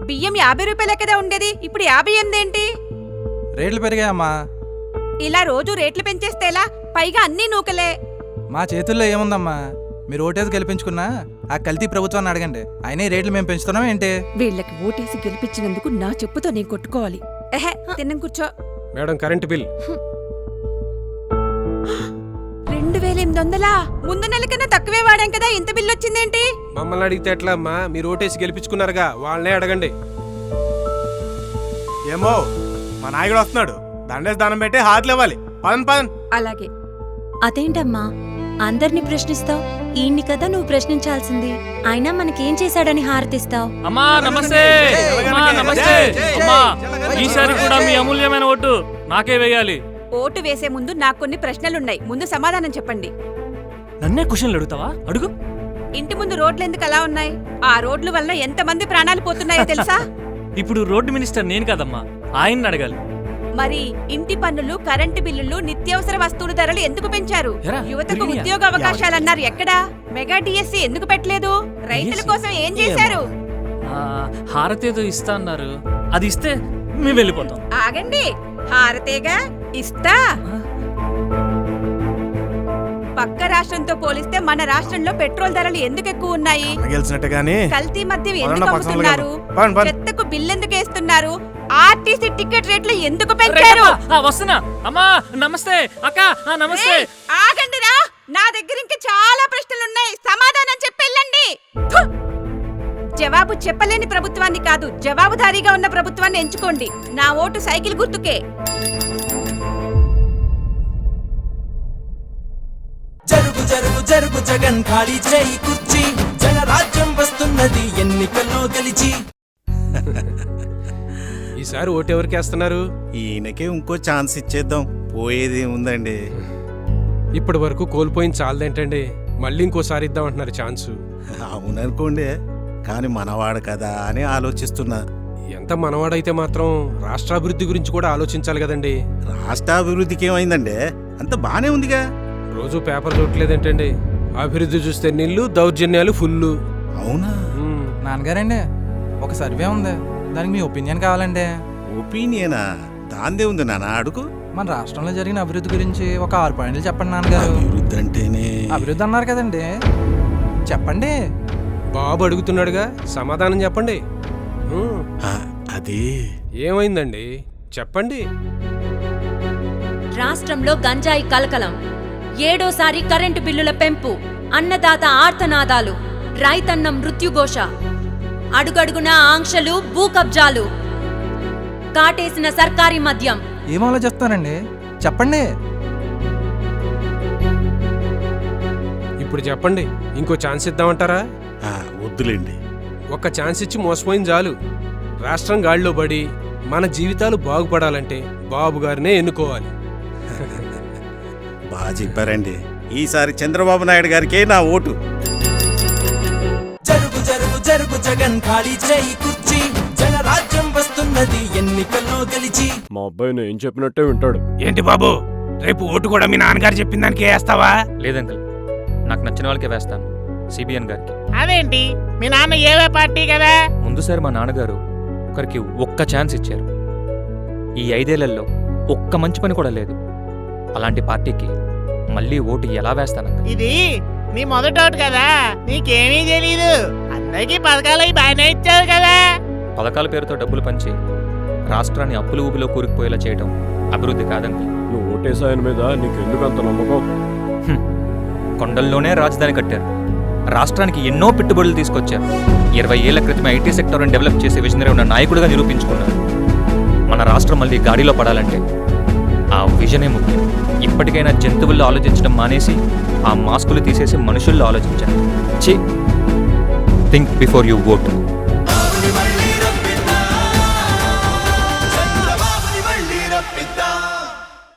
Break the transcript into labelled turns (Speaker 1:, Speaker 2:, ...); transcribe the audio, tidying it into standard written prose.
Speaker 1: బియ్యం 50 రూపాయలే కదా ఉండేది, ఇప్పుడు 58 ఏంటి?
Speaker 2: రేట్లు పెరిగాయమ్మా.
Speaker 1: ఇలా రోజు రేట్లు పెంచేస్తే ఎలా? పైగా అన్నీ నూకలే.
Speaker 2: మా చేతుల్లో ఏముందమ్మా? మీరు ఓటేసి గెలిపించుకున్నా ఆ కల్తీ ప్రభుత్వాన్ని అడగండి. అయినా ఈ రేట్లు మేము పెంచుతున్నాం ఏంటి?
Speaker 3: వీళ్ళకి ఓటేసి గెలిపించినందుకు నా చెప్పుతో నేను కొట్టుకోవాలి.
Speaker 1: ఎహే, తిన్నం కూర్చో.
Speaker 4: Madam current bill
Speaker 1: 2800. ముందు నెల కన్నా తక్కువే వాడాం కదా, ఇంత బిల్లు వచ్చిందేంటి?
Speaker 4: మమ్మల్ని అడిగితే ఎట్లా అమ్మా? మీరు ఓటేసి గెలిపించుకున్నారుగా, వాళ్ళనే అడగండి.
Speaker 5: ఏమో మా నాయకుడు వస్తున్నాడు, దండేసి దానం పెట్టి హాతలు ఇవ్వాలి. పదన్ పదన్.
Speaker 1: అలాగే.
Speaker 6: అదేంటమ్మా అందరినీ ప్రశ్నిస్తావు? ఈయన్ని కదా నువ్వు ప్రశ్నించాల్సింది. అయినా మనకేం చేశాడని హారతిస్తావు?
Speaker 7: అమ్మా నమస్తే. అమ్మా నమస్తే. అమ్మా ఈసారి కూడా మీ అమూల్యమైన ఓటు నాకే వేయాలి.
Speaker 1: ఓటు వేసే ముందు నాకు కొన్ని ప్రశ్నలున్నాయి, ముందు సమాధానం చెప్పండి.
Speaker 7: నన్నే క్వశ్చన్లు అడుగుతావా? అడుగు.
Speaker 1: ఇంటి ముందు రోడ్లు ఎందుకు అలా ఉన్నాయి? ఆ రోడ్ల వల్ల ఎంతమంది ప్రాణాలు పోతున్నాయో తెలుసా?
Speaker 7: ఇప్పుడు రోడ్డు మినిస్టర్ నేను కదమ్మా, ఆయన్ని అడగాలి.
Speaker 1: మరి ఇంటి పన్నులు, కరెంటు బిల్లులు, నిత్యావసర వస్తువుల ధరలు ఎందుకు పెంచారు?
Speaker 7: ఎరా,
Speaker 1: యువతకు
Speaker 7: పెరిగినాయా?
Speaker 1: ఉద్యోగ అవకాశాలు అన్నారు, ఎక్కడా? మెగా డిఎస్సి ఎందుకు పెట్టలేదు? రైతుల కోసం ఏం చేశారు?
Speaker 7: హారతి ఏదో ఇస్తా అన్నారు, అది ఇస్తే మేము వెళ్ళిపోతాం.
Speaker 1: ఆగండి, హారతేగా ఇస్తా. పక్క రాష్ట్రంతో పోలిస్తే మన రాష్ట్రంలో పెట్రోల్ ధరలు ఎందుకు ఎక్కువ ఉన్నాయి?
Speaker 5: గెలిచినట్టు గానీ
Speaker 1: కల్తీ మద్యం ఎందుకు
Speaker 5: పదండి,
Speaker 1: అమ్ముతున్నారు?
Speaker 5: పదండి, పదండి.
Speaker 1: చెత్తకు బిల్లు ఎందుకు వేస్తున్నారు? ఆర్టీసీ టికెట్ రేట్లు ఎందుకు పెంచారు?
Speaker 7: వస్తున్నా. అమ్మా నమస్తే. అక్క నమస్తే.
Speaker 1: ఏయ్, ఆగండిరా, నా దగ్గర ఇంకా చాలా ప్రశ్నలున్నాయి, సమాధానం చెప్పెళ్ళండి. జవాబు చెప్పలేని ప్రభుత్వాన్ని కాదు, జవాబుదారీగా ఉన్న ప్రభుత్వాన్ని ఎంచుకోండి. నా ఓటు సైకిల్ గుర్తుకే.
Speaker 8: జరుగు జరుగు జరుగు జగన్ ఖాళీ చేయి కుర్చీ, జనరాజ్యం వస్తున్నది ఎన్నికల్లో గెలిచి.
Speaker 4: ఈసారి ఓటు ఎవరికి వేస్తున్నారు?
Speaker 5: ఈయనకే ఇంకో ఛాన్స్ ఇచ్చేద్దాం, పోయేది ఉందండి.
Speaker 4: ఇప్పటి వరకు కోల్పోయింది చాలదేంటండి, మళ్ళీ ఇంకోసారి ఇద్దాం అంటున్నారు ఛాన్సు.
Speaker 5: అవుననుకోండి, కానీ మనవాడు కదా అని ఆలోచిస్తున్నా.
Speaker 4: ఎంత మనవాడైతే మాత్రం రాష్ట్రాభివృద్ధి గురించి కూడా ఆలోచించాలి కదండి.
Speaker 5: రాష్ట్రాభివృద్ధికి ఏమైందండి? అంత బానే ఉందిగా.
Speaker 4: రోజు పేపర్ చూడలేదేంటండి? అభివృద్ధి చూస్తే నీళ్లు, దౌర్జన్యాలు ఫుల్లు.
Speaker 5: అవునా?
Speaker 2: నాన్నగారండి, ఒక సర్వే ఉంది, దానికి మీ ఒపీనియన్ కావాలండి.
Speaker 5: ఒపీనియనా? దాందే ఉంది నాన్న, అడుగు.
Speaker 2: మన రాష్ట్రంలో జరిగిన అభివృద్ధి గురించి ఒక 6 పాయింట్లు చెప్పండి నాన్నగారు.
Speaker 5: అభివృద్ధి అంటేనే
Speaker 2: అభివృద్ధి అన్నారు కదండి, చెప్పండి.
Speaker 4: బాబు అడుగుతున్నాడుగా, సమాధానం చెప్పండి.
Speaker 5: అది
Speaker 4: ఏమైందండి చెప్పండి.
Speaker 6: రాష్ట్రంలో గంజాయి కలకలం, 7వ కరెంటు బిల్లుల పెంపు, అన్నదాత ఆర్తనాదాలు, రైతన్న మృత్యుఘోష, అడుగడుగున ఆంక్షలు, భూ కబ్జాలు, కాటేసిన సర్కారీ మద్యం.
Speaker 2: ఏం ఆలోచిస్తానండి, చెప్పండి.
Speaker 4: ఇప్పుడు చెప్పండి, ఇంకో ఛాన్స్ ఇద్దామంటారా?
Speaker 5: వద్దులేండి.
Speaker 4: ఒక్క ఛాన్స్ ఇచ్చి మోసపోయింది చాలు. రాష్ట్రం గాడిలో పడి మన జీవితాలు బాగుపడాలంటే బాబు గారినే ఎన్నుకోవాలి.
Speaker 5: బాగా చెప్పారండి. ఈసారి చంద్రబాబు నాయుడు గారికే నా ఓటు.
Speaker 8: జరుగు జరుగు జరుగు జగన్ ఖాళీ చేయి కుర్చీ, జనరాజ్యం వస్తున్నది ఎన్నికల్లో గెలిచి.
Speaker 4: మా అబ్బాయి నేను చెప్పినట్టే వింటాడు.
Speaker 9: ఏంటి బాబు, రేపు ఓటు కూడా మీ నాన్నగారు చెప్పిన దానికి వేస్తావా?
Speaker 7: లేదంకల్, నాకు నచ్చిన వాళ్ళకే వేస్తాను, సిబిఎన్ గారికి.
Speaker 9: అదేంటి, మీ నాన్న ఏవే పార్టీ కదా?
Speaker 7: ముందుసారి మా నాన్నగారు ఒకరికి ఒక్క ఛాన్స్ ఇచ్చారు. ఈ 5 ఏళ్లలో ఒక్క మంచి పని కూడా లేదు. అలాంటి పార్టీకి మళ్ళీ ఓటు ఎలా వేస్తాను?
Speaker 9: ఇది నీ మొదటి ఓటు కదా, నీకేమీ తెలీదు. అందరికీ పథకాలు బాగానే ఇచ్చారు కదా.
Speaker 7: పథకాల పేరుతో డబ్బులు పంచి రాష్ట్రాన్ని అప్పుల ఊబిలో కూరుకుపోయేలా చేయడం అభివృద్ధి కాదండి.
Speaker 4: నువ్వు ఓటేసాయన మీద నీకెందుకంత నమ్మకం?
Speaker 7: కొండల్లోనే రాజధాని కట్టారు, రాష్ట్రానికి ఎన్నో పెట్టుబడులు తీసుకొచ్చారు, 20 ఏళ్ల క్రితం ఐటీ సెక్టర్ని డెవలప్ చేసే విజనరీ ఉన్న నాయకుడిగా నిరూపించుకున్నారు. మన రాష్ట్రం మళ్ళీ గాడిలో పడాలంటే ఆ విజనే ముఖ్యం. ఇప్పటికైనా జంతువుల్లో ఆలోచించడం మానేసి ఆ మాస్కులు తీసేసి మనుషుల్లో ఆలోచించాలి. Think before you vote.